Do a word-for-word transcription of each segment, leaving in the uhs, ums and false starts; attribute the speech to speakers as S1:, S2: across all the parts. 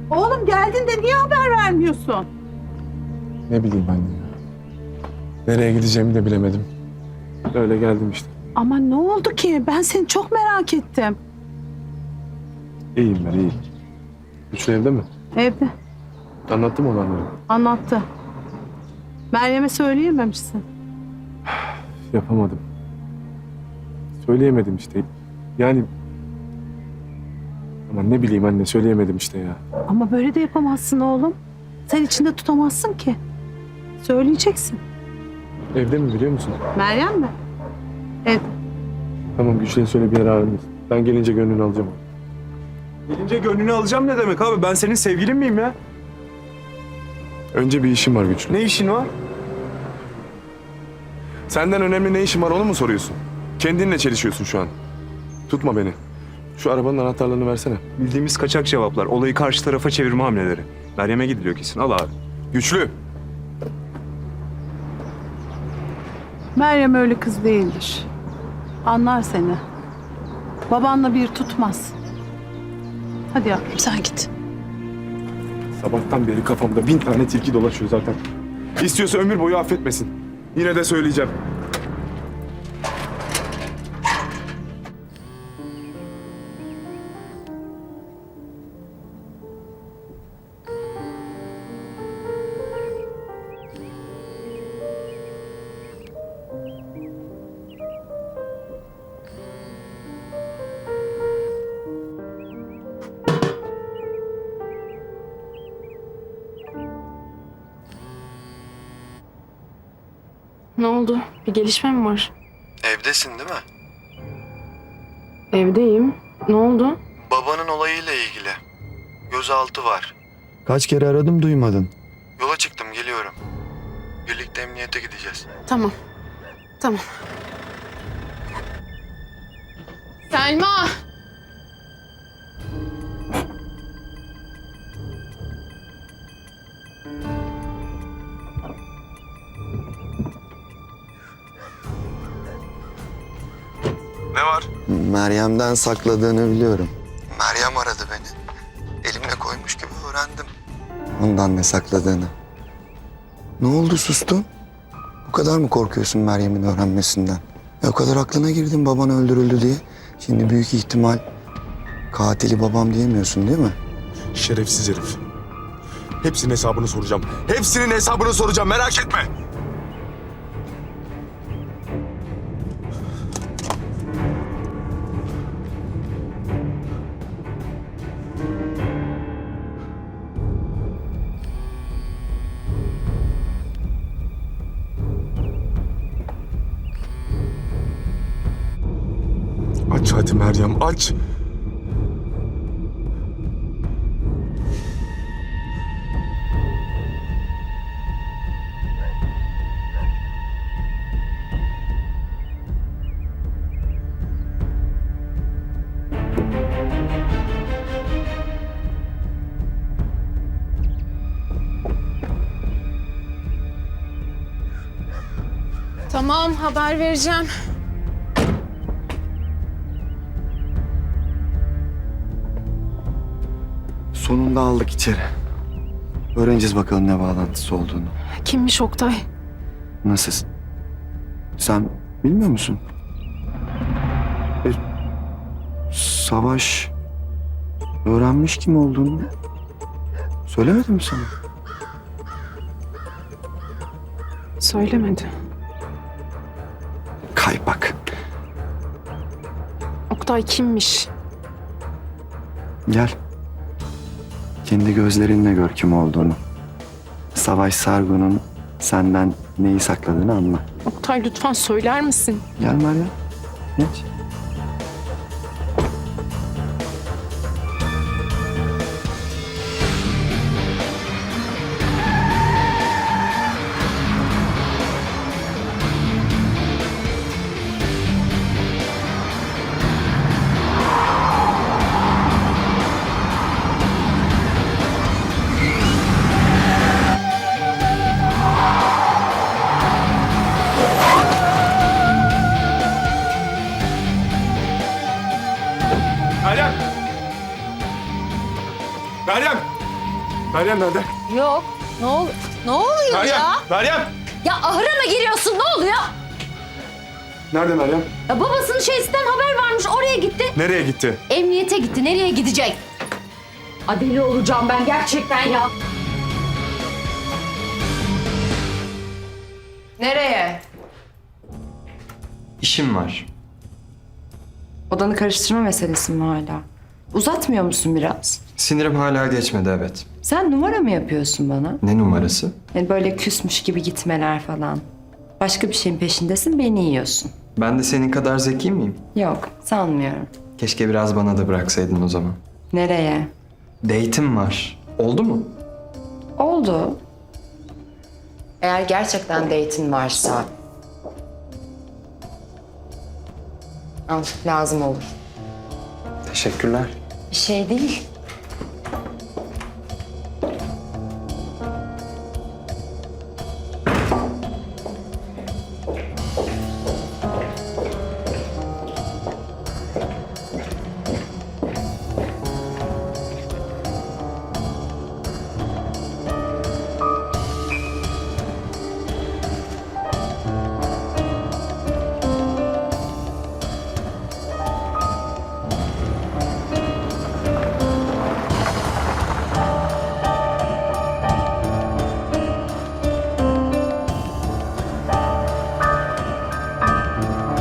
S1: Oğlum geldin de niye haber vermiyorsun?
S2: Ne bileyim anne ya. Nereye gideceğimi de bilemedim. Öyle geldim işte.
S1: Ama ne oldu ki? Ben seni çok merak ettim.
S2: İyiyim ben, iyiyim. Güçlü evde mi?
S1: Evde.
S2: Anlattı mı olanları?
S1: Anlattı. Meryem'e söyleyememişsin.
S2: Yapamadım. Söyleyemedim işte. Yani... Ama ne bileyim anne, söyleyemedim işte ya.
S1: Ama böyle de yapamazsın oğlum. Sen içinde tutamazsın ki. Söyleyeceksin.
S2: Evde mi biliyor musun?
S1: Meryem mi? Evde.
S2: Tamam, Güçlü'ye söyle bir yere ayrılır. Ben gelince gönlünü alacağım.
S3: Gelince gönlünü alacağım ne demek abi? Ben senin sevgilin miyim ya?
S2: Önce bir işim var Güçlü.
S3: Ne işin var?
S2: Senden önemli ne işim var onu mu soruyorsun? Kendinle çelişiyorsun şu an. Tutma beni. Şu arabanın anahtarlarını versene.
S3: Bildiğimiz kaçak cevaplar. Olayı karşı tarafa çevirme hamleleri. Meryem'e gidiliyor kesin. Al abi.
S2: Güçlü!
S1: Meryem öyle kız değildir. Anlar seni. Babanla bir tutmaz. Hadi yavrum sen git.
S2: Sabahtan beri kafamda bin tane tilki dolaşıyor zaten. İstiyorsa ömür boyu affetmesin. Yine de söyleyeceğim.
S4: Ne oldu? Bir gelişme mi var?
S5: Evdesin değil mi?
S4: Evdeyim. Ne oldu?
S5: Babanın olayıyla ilgili. Gözaltı var. Kaç kere aradım duymadın. Yola çıktım geliyorum. Birlikte emniyete gideceğiz.
S4: Tamam. Tamam. Selma!
S2: Ne var?
S5: Meryem'den sakladığını biliyorum. Meryem aradı beni. Elimle koymuş gibi öğrendim. Ondan ne sakladığını. Ne oldu sustun? Bu kadar mı korkuyorsun Meryem'in öğrenmesinden? E o kadar aklına girdin baban öldürüldü diye. Şimdi büyük ihtimal katili babam diyemiyorsun değil mi?
S2: Şerefsiz herif. Hepsinin hesabını soracağım. Hepsinin hesabını soracağım, merak etme. Aç hadi Meryem, aç.
S4: Tamam, haber vereceğim.
S5: Sonunda aldık içeri. Öğreneceğiz bakalım ne bağlantısı olduğunu.
S4: Kimmiş Oktay?
S5: Nasıl? Sen bilmiyor musun? E, Savaş öğrenmiş kim olduğunu. Söylemedi mi sana?
S4: Söylemedi.
S5: Kaypak.
S4: Oktay kimmiş?
S5: Gel. Kendi gözlerinle gör kim olduğunu. Savaş Sargun'un senden neyi sakladığını anla.
S4: Oktay lütfen söyler misin?
S5: Gel Meryem. Geç.
S2: Meryem nerede?
S6: Yok. Ne ol Ne oluyor
S2: Meryem!
S6: ya?
S2: Meryem!
S6: Ya ahıra mı giriyorsun? Ne oluyor?
S2: Nerede Meryem?
S6: Ya babasının şeysinden haber varmış. Oraya gitti.
S2: Nereye gitti?
S6: Emniyete gitti. Nereye gidecek? Adeli olacağım ben gerçekten ya.
S7: Nereye?
S8: İşim var.
S7: Odanı karıştırma meselesi mi hala? Uzatmıyor musun biraz?
S8: Sinirim hala geçmedi, evet.
S7: Sen numara mı yapıyorsun bana?
S8: Ne numarası?
S7: Yani böyle küsmüş gibi gitmeler falan. Başka bir şeyin peşindesin, beni yiyorsun.
S8: Ben de senin kadar zeki miyim?
S7: Yok, sanmıyorum.
S8: Keşke biraz bana da bıraksaydın o zaman.
S7: Nereye?
S8: Date'im var. Oldu mu?
S7: Oldu. Eğer gerçekten date'in varsa... Al, lazım olur.
S8: Teşekkürler.
S7: Bir şey değil.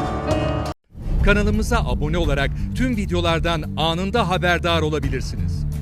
S9: Kanalımıza abone olarak tüm videolardan anında haberdar olabilirsiniz.